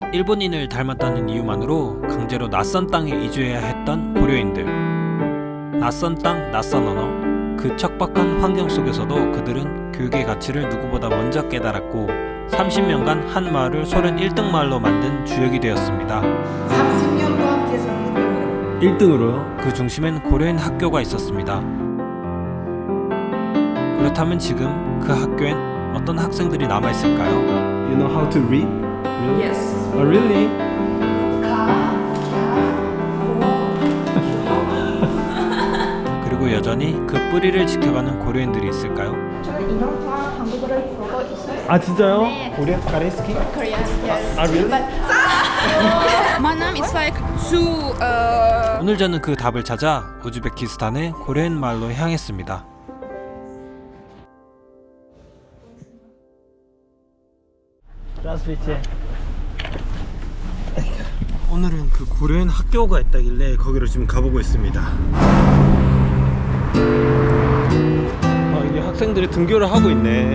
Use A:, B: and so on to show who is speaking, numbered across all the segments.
A: 일본인을 닮았다는 이유만으로 강제로 낯선 땅에 이주해야 했던 고려인들. 낯선 땅, 낯선 언어. 그 척박한 환경 속에서도 그들은 교육의 가치를 누구보다 먼저 깨달았고 30년간 한 마을을 소련 1등 마을로 만든 주역이 되었습니다.
B: 30년 동안 계속
A: 1등으로요? 그 중심엔 고려인 학교가 있었습니다. 그렇다면 지금 그 학교엔 어떤 학생들이 남아있을까요?
C: You know how to read? Really?
B: Yes.
C: Oh, really?
A: 그리고 여전히 그 뿌리를 지켜가는 고려인들이 있을까요?
D: 저는 인형과 한국어를 보고 있어요.
C: 아 진짜요?
D: 네.
C: 우리 가레스키?
D: Korean, yes.
C: 아 really?
E: My name is like to
A: 오늘 저는 그 답을 찾아 우즈베키스탄의 고려인 마을로 향했습니다. 오늘은 그 고려인 학교가 있다길래 거기로 지금 가보고 있습니다. 이게 학생들이 등교를 하고 있네.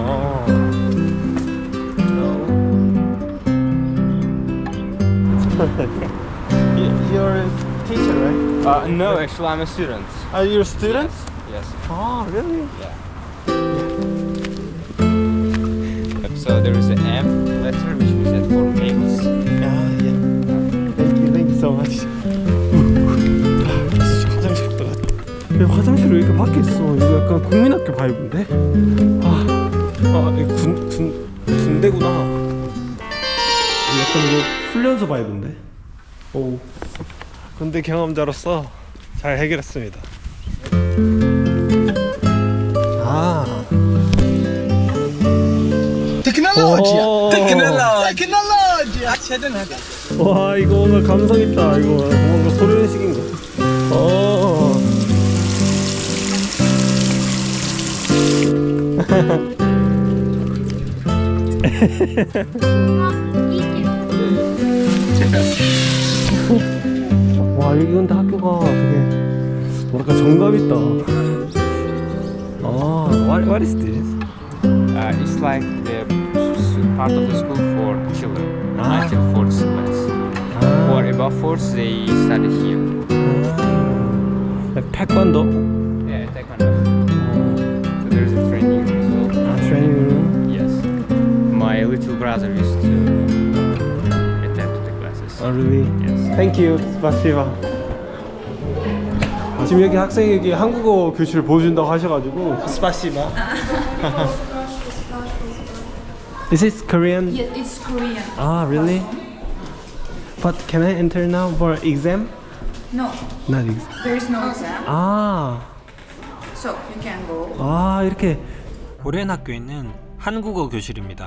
A: You're a teacher, right?
F: No, actually, I'm a student.
A: Are you a student?
F: Yes.
A: Oh, really?
F: So there is an M letter which we said for males.
A: Yeah. Thank you so much. 화장실 갔다 왔다. 왜 화장실이 왜 이렇게 밖에 있어? 이거 약간 국민학교 바이브인데? 이거 군대구나. 약간 이거 훈련소 바이브인데? 오. 군대 경험자로서 잘 해결했습니다. 테크놀로지. 와 이거 뭔가 감성 있다. 이거 뭔가 소련식인가? 와 여기 근데 학교가 되게 뭐랄까 정감 있다. What is this?
F: It's like the part of the school for children until 4th class. Or above 4th, they study here.
A: Like taekwondo?
F: Yeah, taekwondo. So there is a training room as well.
A: Training room?
F: Yes. My little brother used to attend to the classes.
A: Really?
F: Yes.
A: Thank you. 스파시바. 지금 여기 학생이 여기 한국어 교실 보여준다고 하셔가지고 스파시바. Is this Korean?
E: yes, it's Korean.
A: Really? But can I enter now for exam?
E: No,
A: Not exam.
E: there is no exam, so you can go.
A: 이렇게 고려인 학교에 있는 한국어 교실입니다.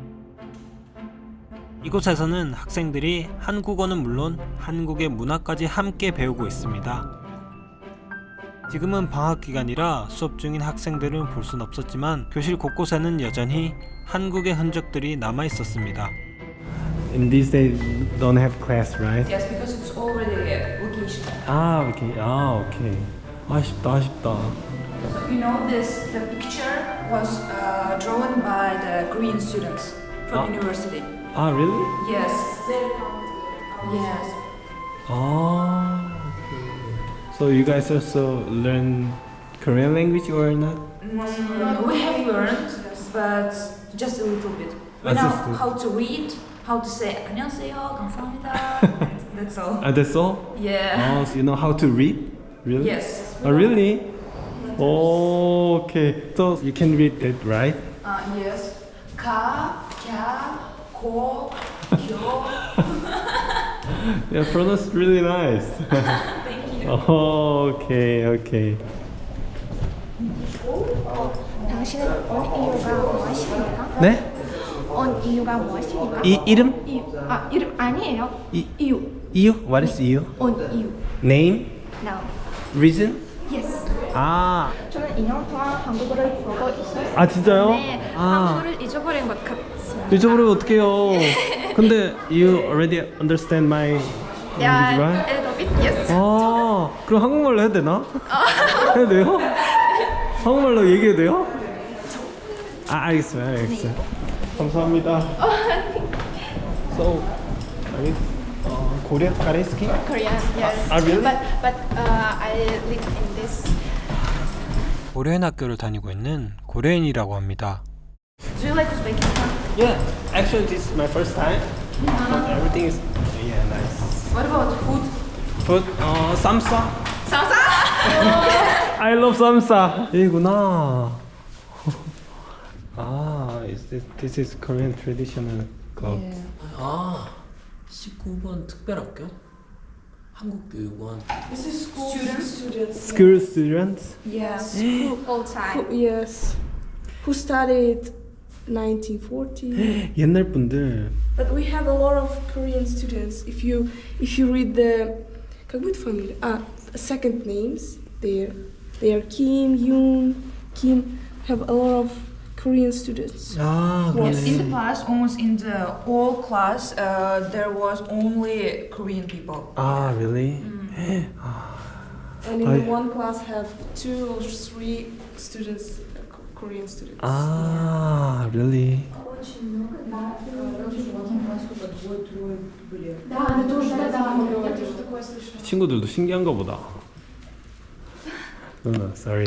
A: 이곳에서는 학생들이 한국어는 물론 한국의 문화까지 함께 배우고 있습니다. 지금은 방학 기간이라 수업 중인 학생들은 볼 순 없었지만 교실 곳곳에는 여전히 한국의 흔적들이 남아 있었습니다. In these days don't have class, right?
E: Yes, because it's already vacation.
A: 오케이. 아쉽다.
E: So, you know this, the picture was drawn by the Korean students from university.
A: Really?
E: Yes. Yes.
A: Okay. So you guys also learn Korean language or not?
E: We have learned, but just a little bit. We know
A: just a-
E: how to read, how to say 안녕하세요, 감사합니다. That's all.
A: That's all?
E: Yeah.
A: So you know how to read? Really?
E: Yes.
A: Really? Okay. So you can read that, right?
E: Yes. 가, 갸, 고, 교.
A: Yeah, pronounced really nice.
E: Thank you.
A: Okay.
D: 당신은 온 이유가 무엇입니까?
A: 네?
D: 온 이유가 무엇입니까?
A: 이름?
D: 이름 아니에요. 이유.
A: 이유? What is 이유?
D: 온 이유.
A: Name?
D: No.
A: Reason?
D: Yes. 저는 인형과 한국어를 보고 있어요.
A: 진짜요?
D: 네, 한국어를 잊어버린 것 같습니다.
A: 잊어버리면 어떡해요. 근데 you already understand my language, right?
D: A little bit, yes.
A: 그럼 한국말로 해도 되나? 해도 돼요? 한국말로 얘기해도 돼요? 알겠어요. 감사합니다.
C: So, I mean, Korea, Kareski?
D: Korean, yes.
C: really?
D: But I live in this.
A: 고려인 학교를 다니고 있는 고려인이라고 합니다.
E: Do you like Uzbekistan?
C: Yeah, actually this is my first time. But everything is nice.
E: What about food?
C: Food, samsa. Samsa? I love samsa. 여기구나. This is Korean traditional club.
G: 아, 19번 특별학교? 한국교육원.
H: This is school students.
C: School students.
H: Yes.
D: Whole time.
H: Yes. Who studied 1940.
C: 옛날 분들.
H: But we have a lot of Korean students. If you read the как будет фамилия? Second names there. They are Kim, Yoon, Kim. Have a lot of Korean students.
C: 아,
E: Yes, in the
C: 그러네.
E: past, almost in the whole class, there was only Korean people.
C: 아, really?
H: And in
C: I-
H: one class have 2 or 3 students, Korean students.
C: 아, really? 친구들도 신기한가 보다. No, sorry.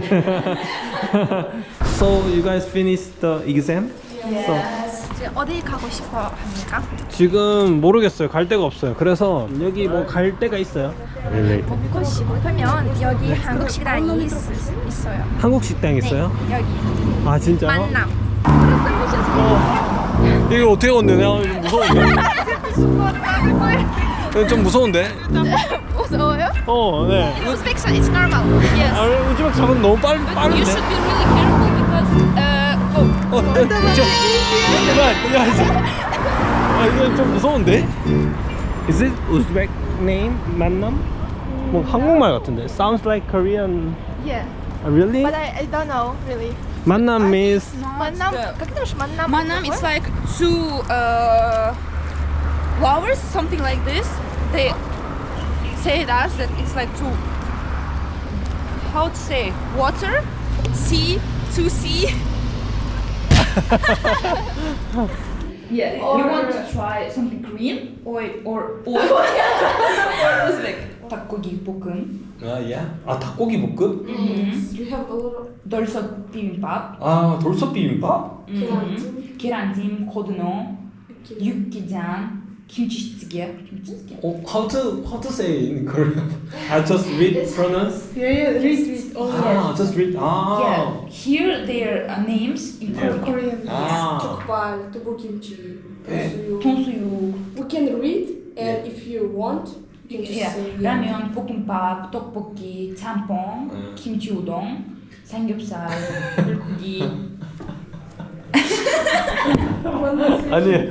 C: So you guys finished the exam? So
D: 이제 어디 가고 싶어 합니까?
C: 지금 모르겠어요. 갈 데가 없어요. 그래서 여기 뭐 갈 데가 있어요? Really?
D: 먹고 싶으면 여기 한국 식당이 있어요.
C: 한국 식당
D: 네,
C: 있어요?
D: 여기
C: 아 진짜요?
D: 만남.
C: 이거 어떻게 건드냐? 무서운데? 이거 좀 무서운데?
D: 무서워요?
C: 네.
D: Uzbekistan is normal. Yes.
C: 아, 우즈벡 작은 너무 빠른데?
D: You should be really careful because
C: 이거 좀 무서운데? Is it Uzbek name? 만남? 뭐 한국말 같은데? Sounds like Korean.
D: yeah.
C: Really?
D: But I don't know really.
C: 만남 means
D: 만남? Как это ж 만남?
I: Manam, it's like two lovers, something like this. They say that it's like two. How to say? Water, sea, to sea.
E: Yeah, you want to try something Korean or Uzbek? 닭고기 볶음,
C: 아 닭고기 볶음?
H: You have a lot of
E: 돌솥 비빔밥,
C: 아 돌솥 비빔밥?
E: 계란찜, 고등어, 육개장, 김치찌개.
C: How to say in Korean? I just read pronounce.
H: read all
C: Just read.
E: Yeah, here their names in Korean.
H: Korean.
C: 아.
H: Jokbal, tteokbokimchi, tonsuyu.
E: tonsu육,
H: We can read, and if you want, you can just
E: yeah,
H: say
E: 라면, 볶음밥, 떡볶이, 짬뽕, 김치 우동, 삼겹살, 불고기.
C: 아니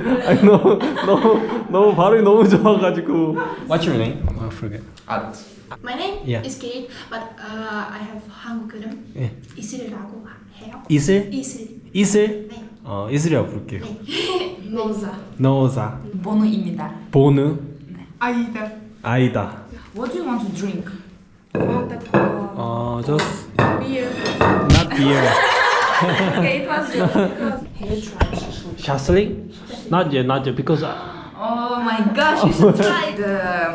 C: 너무 발음이 너무 좋아가지고. What's your name? I forget.
J: My name
C: Yeah.
J: is Kate, but I have 한국 이름
C: 예.
J: 이슬이라고 해요.
C: 이슬?
J: 이슬.
C: 이슬?
J: 네.
C: 이슬이라고 부를게요.
J: 노자.
C: 너자.
E: 번호입니다.
C: 보느.
J: 아이다.
C: 아이다.
E: What do you want to drink?
H: Fanta Cola,
C: Just
H: beer.
C: not beer.
H: Okay, it was just
C: Shasling? Not yet, because.
E: Oh my gosh, you should try the.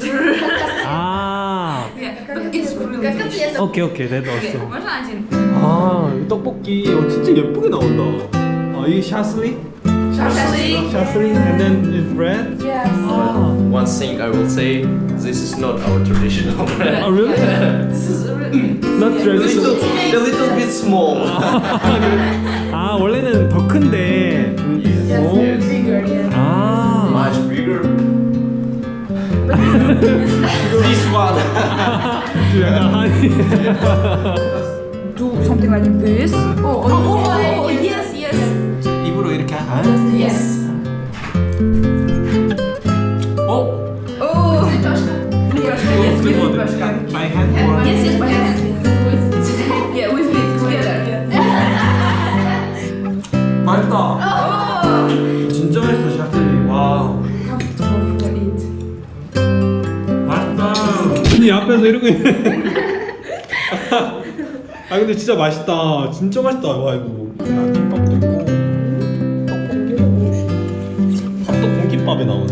C: 아.
E: Yeah, but it's really delicious.
C: 오케이, 내 넣었어.
E: можно один?
C: 이 떡볶이 진짜 예쁘게 나온다. 이게 샤슬리? 샤슬리, and then it's bread.
H: Yes.
G: One thing I will say, this is not our traditional bread.
C: Oh really? Not traditional.
G: A little bit small.
C: 원래는 더 큰데.
H: Bigger, yes.
G: Much bigger. This one.
C: 약간 한이.
E: Do something like this. Oh, yes, yes.
C: 입으로 이렇게
E: Yes.
C: Oh,
E: Yes, give it Pashka.
C: by hand or?
E: Yes, by hand. Yeah, with it together.
C: 맛있다. 진짜 맛있어 샤슬리. 와. 맛있다. 아니 앞에서 이러고 있네. 근데 진짜 맛있다. 진짜 맛있다. 와 이거. 김밥도 있고. 밥도 공기 공깃밥에 나오네.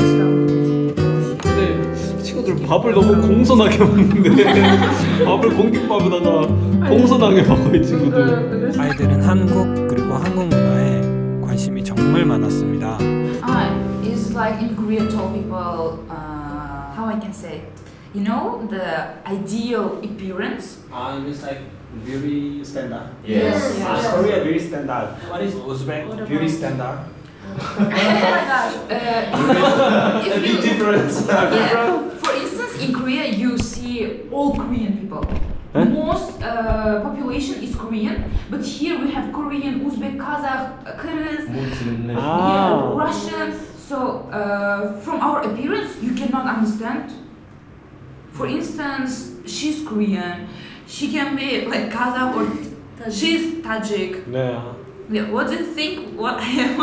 C: 근데 친구들 밥을 너무 공손하게 먹는데 밥을 공깃밥에다가 공손하게 먹어 이 친구들.
A: 아이들은 한국 그리고 한국 문화에 관심이 정말 많았습니다.
E: It's like in Korea told people, how I can say, you know, the ideal appearance.
C: It's like beauty standard.
G: Yes.
C: Korea beauty standard. What is Uzbek beauty standard?
E: Oh my gosh. If you,
C: difference.
E: yeah, for instance, in Korea, you see all Korean people. Most population is Korean, but here we have Korean, Uzbek, Kazakh, Kyrgyz, yeah, Russian. So from our appearance, you cannot understand. For instance, she's Korean. She can be like Kazakh or she's Tajik.
C: 네.
E: Yeah, what do you think? What I am?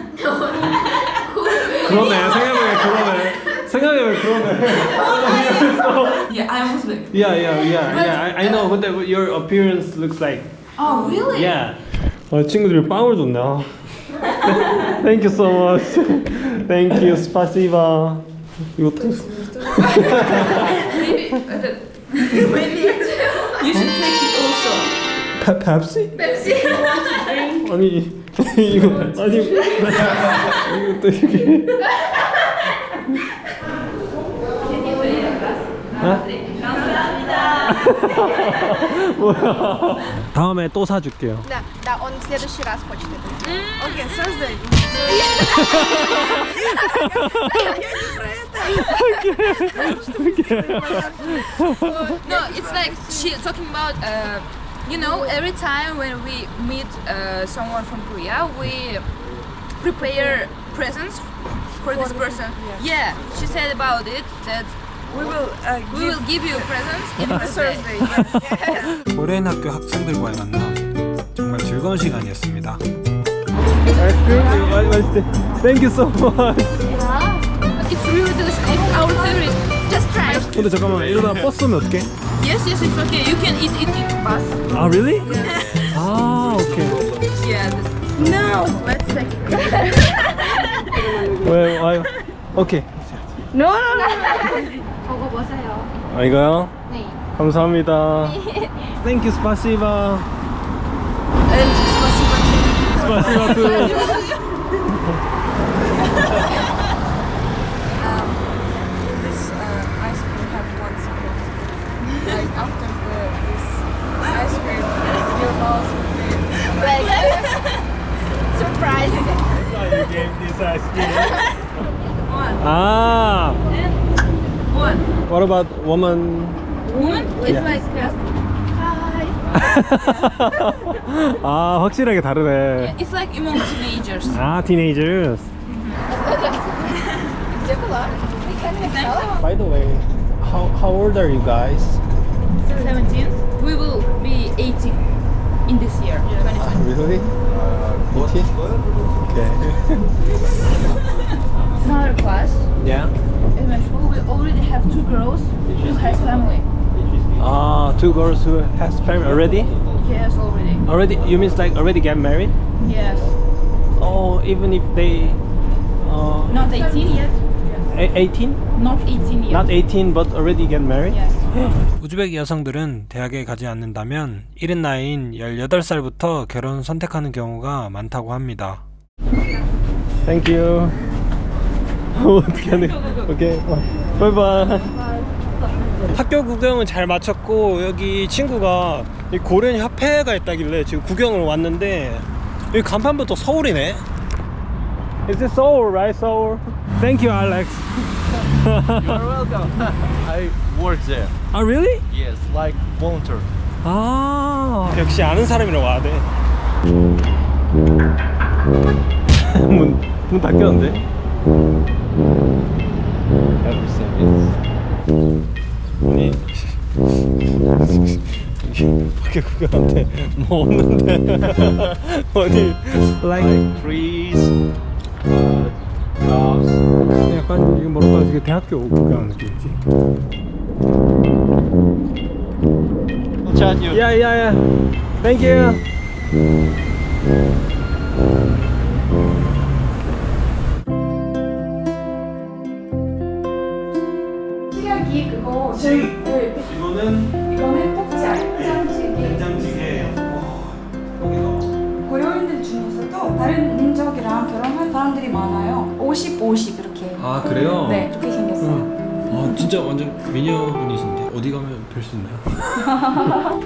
C: 그러네. 생각해보면 그러네.
E: Yeah, I'm Uzbek.
C: Yeah. I know. 근데 your appearance looks like.
E: Oh, really?
C: Yeah. 친구들이 빵을 줬네. Thank you so much. Thank you. 스파시바. 이거 또.
E: Maybe you should take it also.
C: 펩시?
E: Pepsi.
C: 아니 이거 또 이렇게. 뭐야? 다음에 또 사줄게요.
D: Да, он в следующий раз хочет это.
B: Окей, Thursday.
I: No, it's like she talking about. You know, every time when we meet someone from Korea, we prepare presents for this person. Yeah, she said about it that
B: We will
I: give you presents in
B: Thursday.
I: birthday.
A: 고려인 학교 학생들과의 만남 정말 즐거운 시간이었습니다.
C: 맛있대. Thank you so much.
I: It's really delicious. It's our favorite. Just try.
C: 근데 잠깐만 이러다 버스 오면 어떡해?
I: Yes, it's okay. You can eat bus.
C: 아 really? 아 오케이.
I: Yeah.
B: No, let's take it.
C: 왜 와요? 오케이.
B: No.
D: 먹어보세요.
C: 이거요?
D: 네.
C: 감사합니다. Thank you, 스파시바. 스파시바 too.
H: This ice cream have one secret. Like after this ice cream, your mouth will be
D: Like surprise.
C: You gave this ice cream. 아.
I: What?
C: What about woman?
I: Woman? It's
C: Yeah.
I: like
C: 아 확실하게 다르네.
I: it's like among teenagers.
C: 아 teenagers. By the way, how old are you guys?
I: 17. We will be 18 in this year. 2020.
C: Really? 18? Okay.
I: In our class,
C: Yeah.
I: in my school, we already have 2 girls who has family.
C: Ah, 2 girls who has family already?
I: Yes, already.
C: Already? You mean like already get married?
I: Yes.
C: Oh, even if they
I: Not 18 yet.
C: 18?
I: Not 18 yet.
C: Not 18 but already get married?
I: Yes.
A: 우즈베크 여성들은 대학에 가지 않는다면 이른 나이인 18살부터 결혼 선택하는 경우가 많다고 합니다.
C: Thank you. 어떻게 하네? 오케이. 바이바이. 학교 구경은 잘 마쳤고 여기 친구가 이 고려인 협회가 있다길래 지금 구경을 왔는데 여기 간판부터 서울이네. Is it Seoul, right? Seoul. Thank you, Alex.
G: You're welcome. I work there.
C: Ah, really?
G: Yes, like volunteer.
C: 아, 역시 아는 사람이라 와야 돼. 문 닫혔는데? 아니 밖에 구경한테 뭐 없는데 어디 like
G: Trees.
C: 약간 이거 뭐랄까 이게 대학교 구경하는 느낌이지.
G: Chat you.
C: 야야야, thank you.
D: 여기 그거 네,
A: 이거는
D: 이거는 폭자 된장찌개.
A: 된장찌개.
D: 고려인들 중에서도 다른 민족이랑 결혼한 사람들이 많아요. 50, 이렇게.
A: 아 그래요?
D: 네, 이렇게 생겼어요.
A: 아 진짜 완전 미녀분이신데 어디 가면 뵐 수 있나요?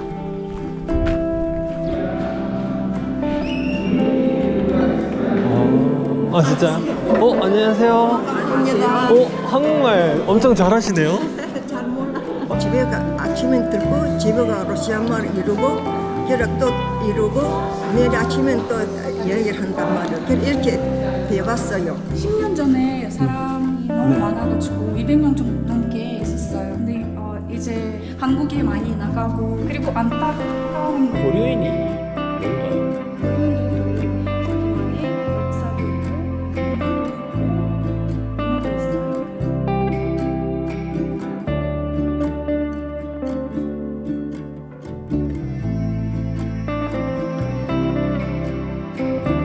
C: 아 진짜? 안녕하세요. 한국말 엄청 잘하시네요.
K: 집에 아침에 들고 집에 가 러시아말 이루고 계략도 이루고 내일 아침에 또 얘기를 한단 말이에요. 이렇게 배웠어요.
D: 10년 전에 사람이 너무 많아가지고 200명 좀 넘게 있었어요. 근데 이제 한국에 많이 나가고 그리고 안타까운
C: 고려인이